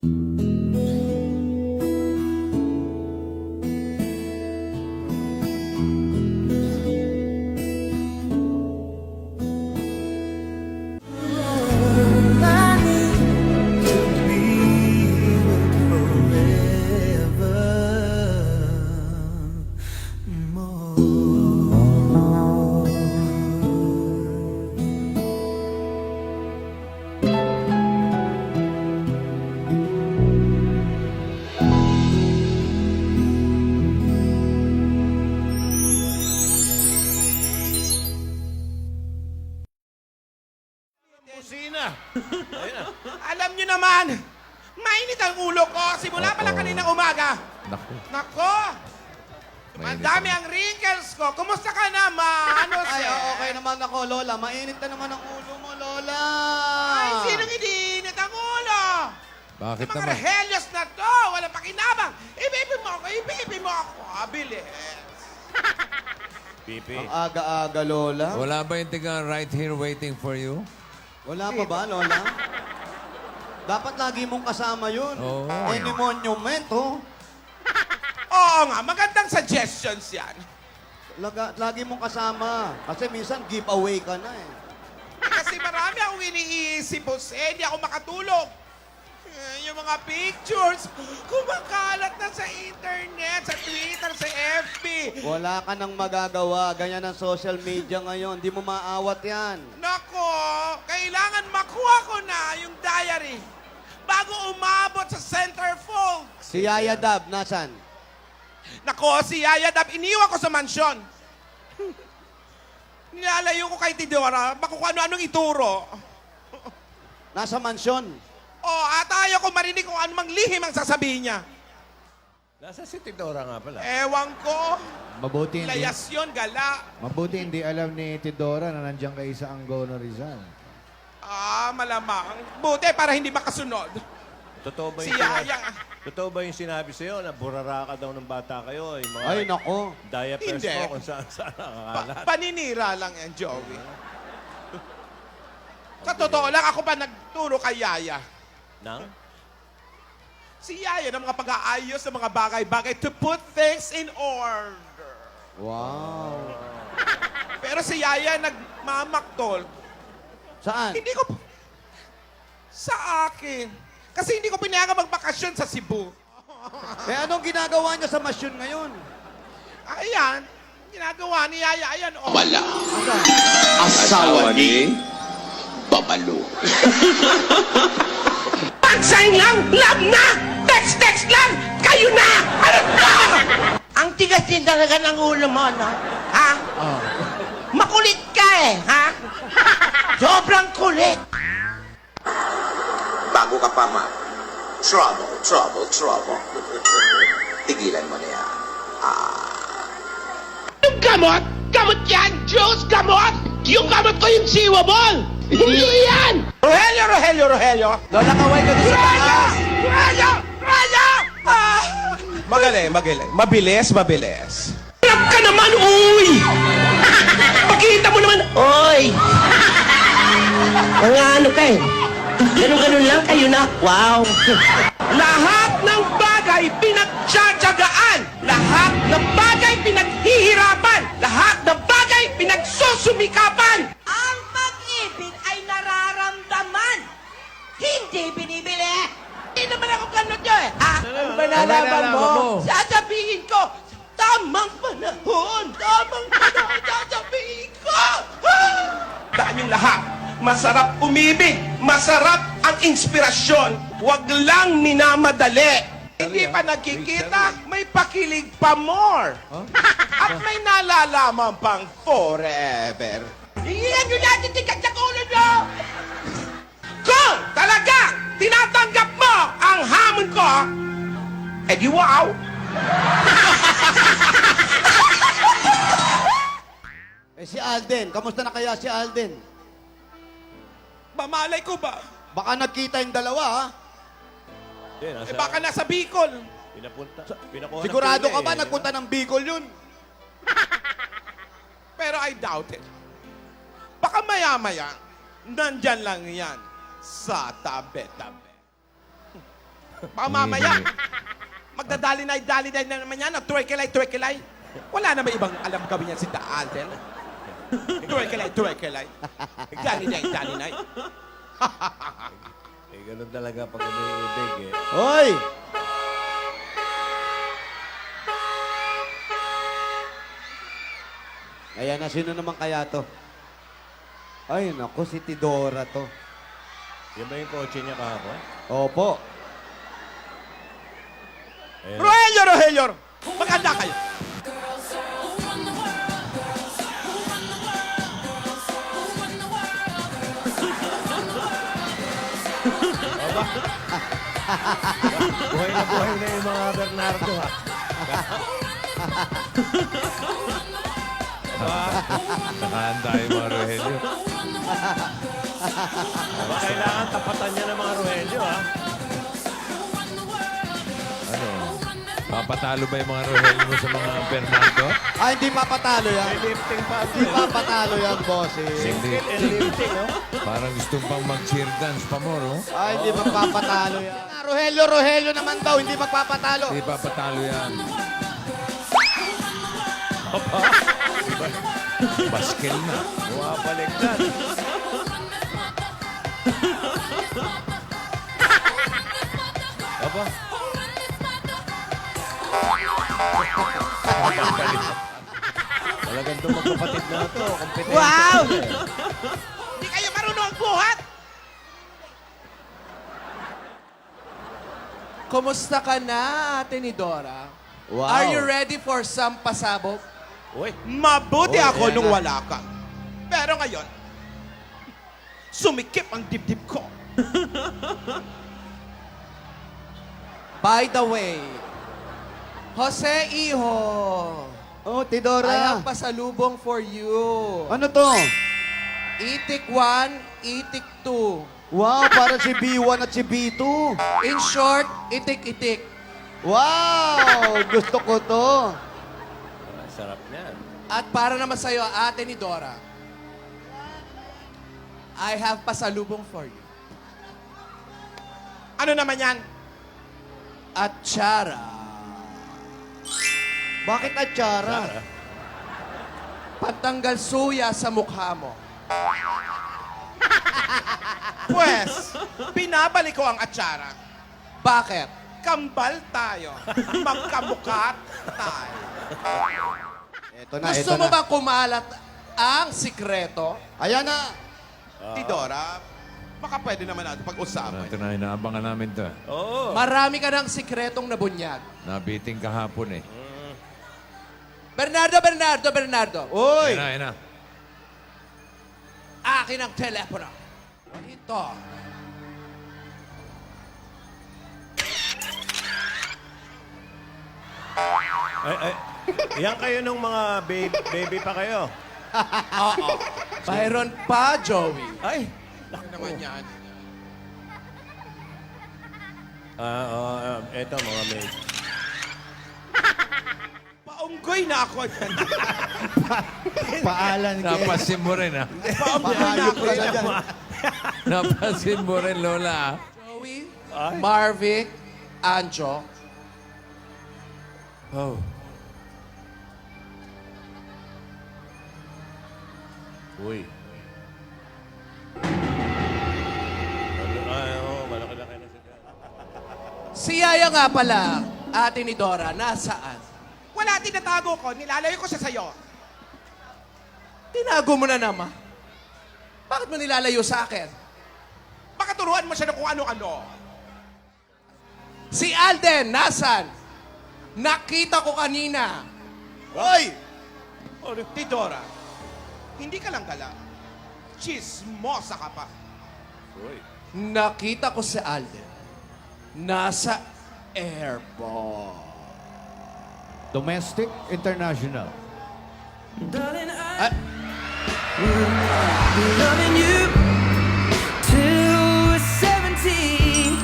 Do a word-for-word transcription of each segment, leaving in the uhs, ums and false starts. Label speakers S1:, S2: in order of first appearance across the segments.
S1: Kusina. Ayun na.
S2: Alam nyo naman, mainit ang ulo ko. Simula pa lang
S3: Oo.
S2: kaninang umaga.
S3: Naku.
S2: Nako!
S3: Mainit
S2: Madami
S3: ang-
S2: ang wrinkles ko. Kumusta ka naman? Ano
S4: Ay,
S2: siya?
S4: okay naman ako, Lola. Mainit na naman ang ulo mo, Lola.
S2: Ay, sinong iniinit ang ulo?
S3: Bakit
S2: Yung mga
S3: naman?
S2: rehelyos na to, walang pakinabang. Ibibig mo ako, ibibig mo ako. Ah, bilis.
S1: Pipi.
S4: Ang aga-aga, Lola.
S3: Wala ba yung tiga right here waiting for you?
S4: Wala pa ba, Lola? Dapat lagi mong kasama yun.
S3: Oo.
S4: Any monument, oh.
S2: Oo nga, magandang suggestions yan.
S4: Laga, lagi mong kasama. Kasi minsan giveaway ka na eh.
S2: Kasi marami akong iniisip, Jose. Hindi ako makatulog. Eh, Yung mga pictures, kumakalat na sa internet, sa Twitter, sa F B.
S4: Wala ka nang magagawa. Ganyan ang social media ngayon. Di mo maawat yan.
S2: Nako, kailangan makuha ko na yung diary bago umabot sa centerfold.
S4: Si Yaya Dab, nasan?
S2: Nako, si Yaya Dab, iniwan ko sa mansyon. Nilalayo ko kay Tidora, baka kung ano-anong ituro.
S4: Nasa mansyon.
S2: O, at ayaw ko marinig kung anumang lihim ang sasabihin niya.
S1: Nasa si Tidora nga pala.
S2: Ewan ko,
S5: Mabuti hindi,
S2: layas yun, gala.
S5: mabuti hindi alam ni Tidora na nandiyan kayo sa Angono Rizal.
S2: Ah, malamang. Buti para hindi makasunod.
S1: Totoo ba
S2: Si
S1: yung sinabi,
S2: Yaya.
S1: totoo ba yung sinabi sa'yo na burara ka daw ng bata kayo? Yung mga
S4: Ay, nako.
S1: diapers
S2: Hindi.
S1: mo kung saan saan
S2: Pa-
S1: nakakalat.
S2: paninira lang yan, Joey. Sa totoo lang, ako pa nagturo kay Yaya.
S1: Nang?
S2: Si Yaya ng mga pag-aayos ng mga bagay-bagay to put things in order.
S4: Wow.
S2: Pero si Yaya nagmamaktol.
S4: Saan?
S2: Hindi ko... Sa akin. Kasi hindi ko pinayagan magbakasyon sa Cebu.
S4: Eh, anong ginagawa niya sa masyon ngayon?
S2: Ayan, ginagawa ni Yaya. Ayan, oh.
S6: Wala. Asawa ni Babalo.
S2: Pagsain lang! Love na! Text-text lang! Kayo na! Ano na? Ang tigas din talaga ng ulo mo, no? Ha? Makulit ka eh, ha? Sobrang kulit.
S6: Bago ka pa, ma. Trouble, trouble, trouble. Tigilan mo na yan.
S2: Yung gamot? Gamot yan! Diyos, gamot! Yung gamot ko yung siwabol! Hindi yan! Rogelio, Rogelio, Rogelio!
S4: Lola, kaway ka doon sa taas.
S2: Rogelio! Rogelio! Ah! Magaling, magaling. Mabilis, mabilis. Harap ka naman, uy! Pakita mo naman, uy! Mga ano ka eh. Ganun-ganun lang kayo na. Wow! Lahat ng bagay pinagtsatsagaan. Lahat ng bagay pinaghihirapan. Lahat ng bagay pinagsusumikapan.
S7: Ang pag-ibig ay nararamdaman, hindi binibili.
S2: Hindi naman ako ganun nyo eh. Ha? Ano ba
S3: nalaman
S2: nalaman mo?
S3: mo?
S2: Sasabihin ko, tamang panahon, tamang panahon, sasabihin ko. Ha? Daan yung lahat. Masarap umibig. Masarap ang inspirasyon. Huwag lang minamadali. Hindi pa nagkikita, may pakilig pa more. At may nalalaman pang forever. Iyan nyo natin tikat sa ulo nyo! Kung talaga tinatanggap mo ang hamon ko, eh di wow!
S4: Eh, si Alden. Kamusta na kaya si Alden?
S2: Mamalay ko ba?
S4: Baka nagkita yung dalawa, ha?
S1: Hindi, nasa,
S2: Eh baka nasa Bicol.
S1: Pinapunta. Pinakuha ng
S4: Sigurado
S1: pila
S4: ka ba
S1: eh.
S4: nagpunta ng Bicol yun?
S2: Pero I doubt it. Baka maya-maya, nandyan lang yan sa tabi-tabi. Baka mamaya, magdadali-nay-dali-nay na naman yan, twerkelay-twerkelay. Wala na ba ibang alam gawin yan si Da Alden? Twerkelay-twerkelay. Dali-nay-dali-nay.
S1: Eh, ganun talaga pag umiibig eh.
S4: Hoy! Ayan na, sino naman kaya to? Ay, naku, si Tidora to.
S1: Yan ba yung kotse niya kahapon?
S4: Opo.
S1: Ayan.
S2: Rogelio, Rogelio! Maganda kayo.
S1: Buhay na buhay na yung mga Bernardo ha.
S3: Nakahanda yung mga Rogelio.
S1: Aba, kailangan tapatan niya ng mga Rogelio ha.
S3: Ano? Papatalo ba yung mga Rogelio mo sa mga Bernardo?
S4: Ah, hindi papatalo yan.
S1: May lifting pa.
S4: Hindi papatalo yan, boss. Eh.
S1: Single and lifting, no?
S3: Parang gusto pang mag-cheer dance pa mo, no?
S4: Ah, hindi magpapatalo yan. Rogelio, Rogelio naman daw, hindi magpapatalo.
S3: Hindi papatalo yan. Baskel na.
S1: Bumabaliktad. Aba. Talagang itong magkapatid na ito. Kompetensya.
S2: Wow!
S1: sila eh.
S2: Hindi kayo marunong buhat!
S8: Kumusta ka na, Ate ni Dora?
S4: Wow.
S8: Are you ready for some pasabog?
S1: Uy,
S2: Mabuti
S4: Oh,
S2: ako
S4: ayan
S2: nung
S4: na.
S2: wala ka. Pero ngayon, sumikip ang dibdib ko.
S8: By the way, Jose Iho,
S4: Oh,
S8: I
S4: Tidora.
S8: have pasalubong for you.
S4: Ano to?
S8: Itik one, Itik two.
S4: Wow, para si B one at si B two.
S8: In short, itik-itik.
S4: Wow, gusto ko to.
S1: ah, sarap niyan.
S8: At para naman sa'yo, Ate ni Dora, I have pasalubong for you.
S2: Ano naman yan?
S8: At Chara,
S4: Bakit atsara?
S8: patanggal suya sa mukha mo.
S2: Pwes, binabalik ko ang atsara.
S8: Bakit?
S2: Kambal tayo. Magkamukha tayo.
S4: Ito na,
S8: Gusto
S4: ito
S8: mo
S4: na.
S8: ba kumalat ang sikreto?
S4: Ayan na.
S2: Tidora, baka pwede naman natin pag-usapan.
S3: Ito na, inaabangan namin to.
S1: Oo.
S8: Marami ka ng sikretong nabunyag.
S3: Nabiting kahapon eh.
S8: Bernardo, Bernardo, Bernardo.
S4: Uy!
S3: Ayan na, ayan na.
S8: Akin ang telepono. Ito.
S1: Ay, ay. Yan kayo nung mga baby, baby pa kayo.
S8: Oo. Byron pa, Joey.
S1: Ay.
S2: Ano naman yan?
S1: Ah, oo, ah, eto mga maid.
S2: Paunggoy na ako.
S5: Paalan kay...
S3: Napasin mo rin, ah.
S2: Paunggoy na
S4: Paayok
S2: ako.
S4: ka na dyan.
S3: Napasin mo rin, Lola, ah.
S8: Joey,
S1: Ay.
S8: Marvic, Anjo.
S3: Oh.
S1: Uy. Ano, ay, oo, malaki-laki na sila.
S8: Si Yaya nga pala, Ate ni Dora, nasaan?
S2: Wala, tinatago ko. Nilalayo ko siya sa'yo.
S8: Tinago mo na naman. Bakit mo nilalayo sa akin?
S2: Baka turuan mo siya ng kung ano-ano.
S8: Si Alden, nasan? Nakita ko kanina.
S2: Hoy! Tidora, hindi ka lang gala. Chismosa ka pa.
S1: Uy.
S8: Nakita ko si Alden. Nasa airport.
S5: Domestic, international.
S8: Ah,
S9: Loving you till we're seventeen.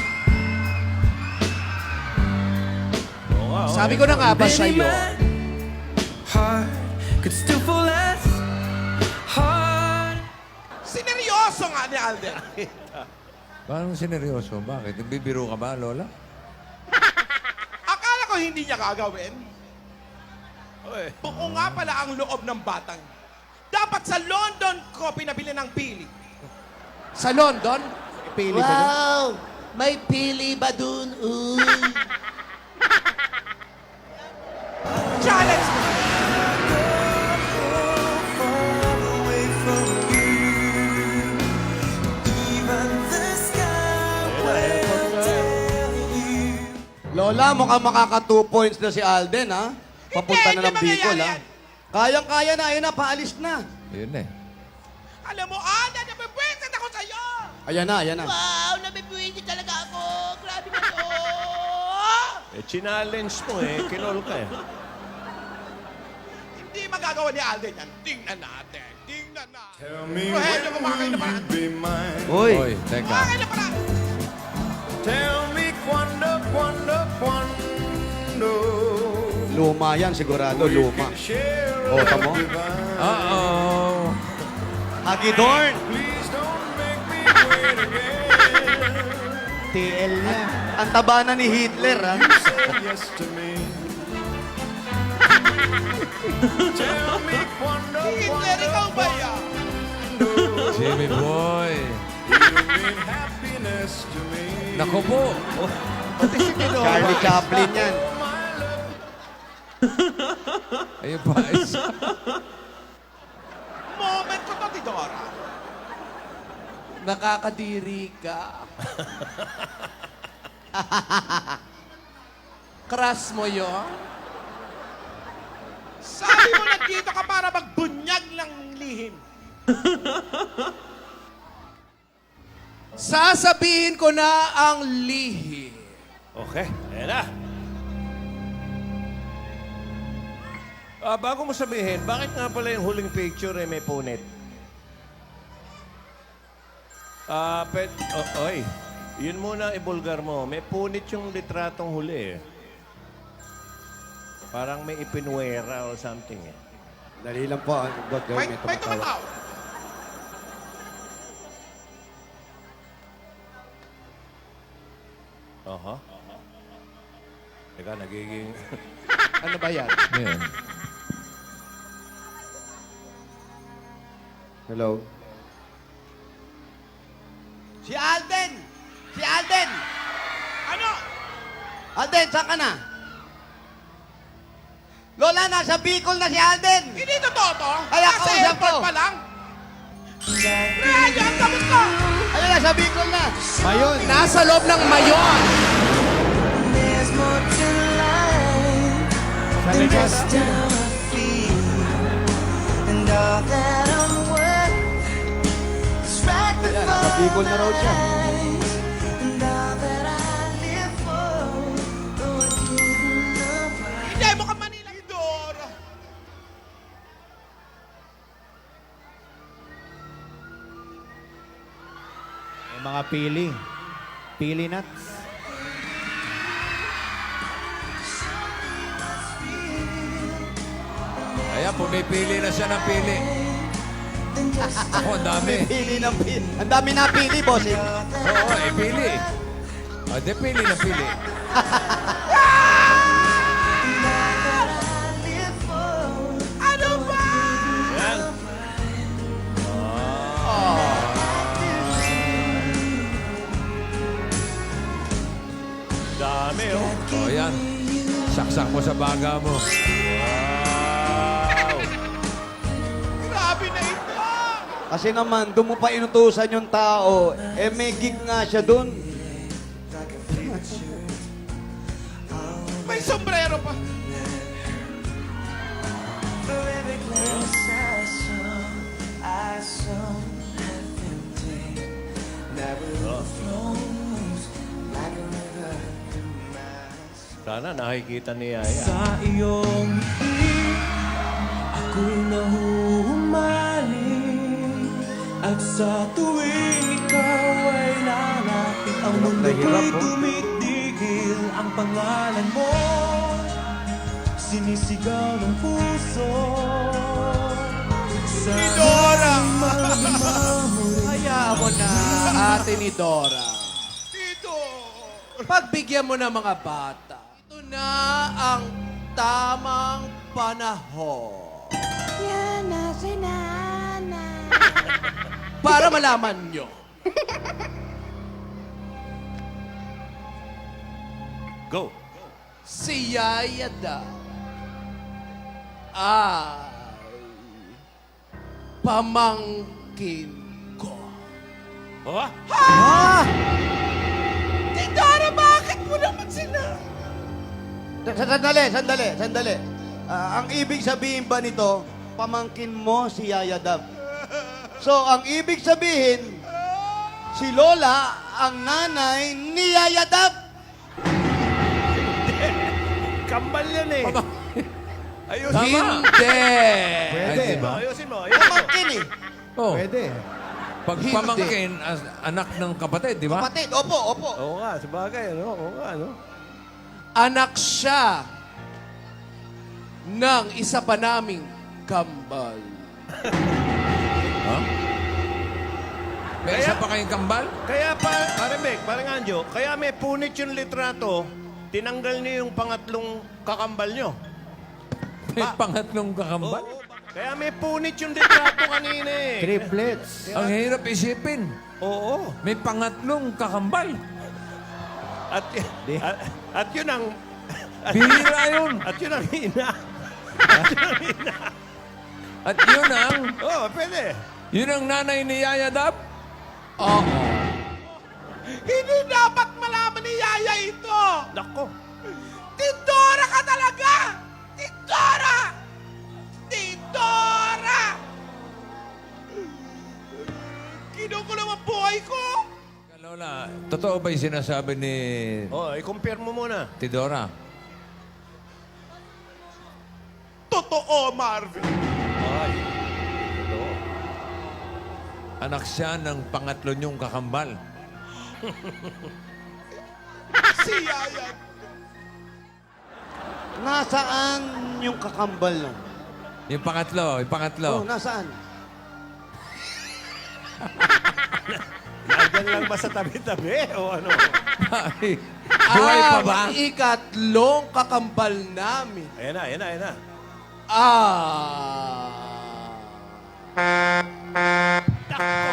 S1: Oo nga, oo,
S8: sabi ko na nga ba sa iyo,
S9: Heart could still fall less hard.
S2: Sineryoso nga ni Alden.
S3: Parang sineryoso. Bakit? Nagbibiro ka ba, Lola?
S2: Akala ko hindi niya gagawin. Buo nga pala ang loob ng batang. Dapat sa London ko pinabili ng pili.
S8: Sa London?
S5: Pili ba doon?
S7: Wow! May pili ba dun? Uy!
S2: Challenge mo.
S4: Lola, mukhang makaka two points na si Alden, ha? Papunta na
S2: Hindi,
S4: ng
S2: hindi
S4: Bicol,
S2: mangyayari
S4: ha?
S2: yan.
S4: Kayang-kaya na, ayun na, paalis na.
S3: Yun eh.
S2: Alam mo, Alden, napipwisit ako sa'yo!
S4: Ayan na, ayan na.
S7: Wow! Nabibwisi talaga ako! Grabe na to!
S1: Eh, challenge mo eh. Kinol ka eh.
S2: Hindi magagawa ni Alden yan. Tingnan natin. Tingnan natin.
S9: Tell me
S2: Rogelio, kumakay na
S9: when
S2: ba?
S9: will you be mine?
S4: Uy,
S3: Hoy, teka.
S2: Kumakay na pala!
S9: Tell me quando, quando, quando
S4: luma yan, sigurado, luma.
S9: share
S4: Oh, tamo?
S9: divine.
S3: Uh-oh.
S4: Hagidorn!
S9: Please don't make me wait again.
S5: T L niya.
S4: Ang taba na ni Hitler, ha?
S9: Say yes to me. Tell me quando,
S2: Hitler, ikaw ba yan?
S3: Jimmy boy.
S9: you mean happiness to me.
S3: Naku po.
S4: Charlie Chaplin yan.
S3: Ayun pa. isa.
S2: Moment ko to, Tidora.
S8: Nakakadiri ka. Crush mo yun?
S2: Sabi mo nandito ka para magbunyag ng lihim.
S8: Sasabihin ko na ang lihi.
S1: Okay, ayan na. Ah, bago mo sabihin, bakit nga pala yung huling picture eh may punit? Ah, pet... Oh, oy, yun muna ibulgar mo. May punit yung litratong huli eh. Parang may ipinwera or something eh.
S4: Dali lang po, ang God,
S2: May,
S4: may
S2: may
S4: tumatawa.
S2: tumataw.
S1: Aha. Teka, nagiging...
S8: Ano ba yan?
S3: Ayan.
S4: Hello?
S7: Si Alden! Si Alden!
S2: Ano?
S4: Alden, saan ka na? Lola, nasa Bicol na si Alden!
S2: Hindi totoo to?
S4: Ay, ako,
S2: Nasa
S4: siya
S2: airport
S4: po.
S2: pa lang? Ryan, tapos ka!
S4: Ayun, nasa Bicol na!
S5: Mayon.
S8: Nasa loob ng mayon.
S5: Sa Legazpi.
S4: Ayan, nasa Bicol na raw siya.
S2: Hindi mo ka Manila. Tidora.
S5: May mga pili. Pili nuts.
S3: Ayan, pumipili na siya ng pili. Ako, ang dami.
S4: Pili ng pili. Ang dami na pili, bossing.
S3: Oo, eh, pili. O, di pili na pili.
S2: Ano ba?
S1: Yan. Dami oh.
S3: O, yan. Saksak mo sa baga mo.
S1: Wow.
S2: Grabe na ito.
S4: Kasi naman, doon mo pa inutusan yung tao. Eh, may gig nga siya doon.
S2: May sombrero pa.
S1: Sana nakikita ni Yaya.
S9: Sa iyong ngiti, ako'y nahuhumaling. At sa tuwing ikaw ay lalapit, ang mundo ko'y tumitigil. Ang pangalan mo, sinisigaw ng puso. Sa
S2: Tidora!
S8: Hayaan mo na, ate ni Dora. Pagbigyan mo ng mga bata. Ito na ang tamang panahon.
S7: Yan na si nanay.
S8: Para malaman nyo.
S1: Go.
S8: Si Yaya daw ay pamangkin ko.
S1: Oh?
S8: Tidora, bakit mo naman sinabi?
S4: Sa- Sandali, sandali, sandali. Ah, ang ibig sabihin ba nito, pamangkin mo si Yaya Dab? So, ang ibig sabihin, si Lola ang nanay ni Yaya Dab.
S1: Kambal yan eh. Ayusin mo.
S8: Hindi.
S5: Pwede.
S3: Ay, di ba?
S1: Ayusin mo. Ayusin mo.
S4: Pamangkin eh.
S3: Oh,
S5: Pwede.
S3: pag
S8: Hindi.
S3: pamangkin, as, anak ng kapatid, di ba?
S4: Kapatid, opo, opo.
S1: Oo nga, sabagay. Ano? Oo nga, ano?
S8: Anak siya ng isa pa naming kambal.
S3: Ha? May
S1: Kaya-
S3: isa pa kayong kambal?
S1: Kaya pa, pare Meg, pare Anjo, kaya may punit yung litrato, tinanggal niyo yung pangatlong kakambal niyo.
S3: May pangatlong kakambal?
S1: Oo, kaya may punit yung litrato kanina eh.
S5: Triplets.
S3: Ang hirap isipin.
S1: Oo.
S3: May pangatlong kakambal.
S1: At, at, at yun ang,
S3: Bihira yun.
S1: at yun ang ina.
S3: At yun ang,
S1: Oo, oh, pwede.
S3: yun ang nanay ni Yaya Dab?
S8: Oo.
S7: Hindi dapat malaman ni Yaya ito.
S1: Nako.
S7: Tidora ka talaga! Tidora! Tidora! Kinukulo ang buhay ko!
S3: Lola, totoo ba yung sinasabi ni
S1: Oh, i-compare mo muna.
S3: Tidora?
S7: Totoo, Marvin.
S1: Ay. Ito.
S3: Anak siya ng pangatlo niyong kakambal.
S7: Si Yaya.
S4: Nasaan yung kakambal nun?
S3: Yung pangatlo, yung pangatlo.
S4: Oh, nasaan?
S1: Nandyan lang ba sa tabi-tabi o ano?
S3: Ay, buhay pa ba?
S8: Ang ikatlong kakambal namin.
S1: Ayan na, ayan na, ayan na.
S8: Ah.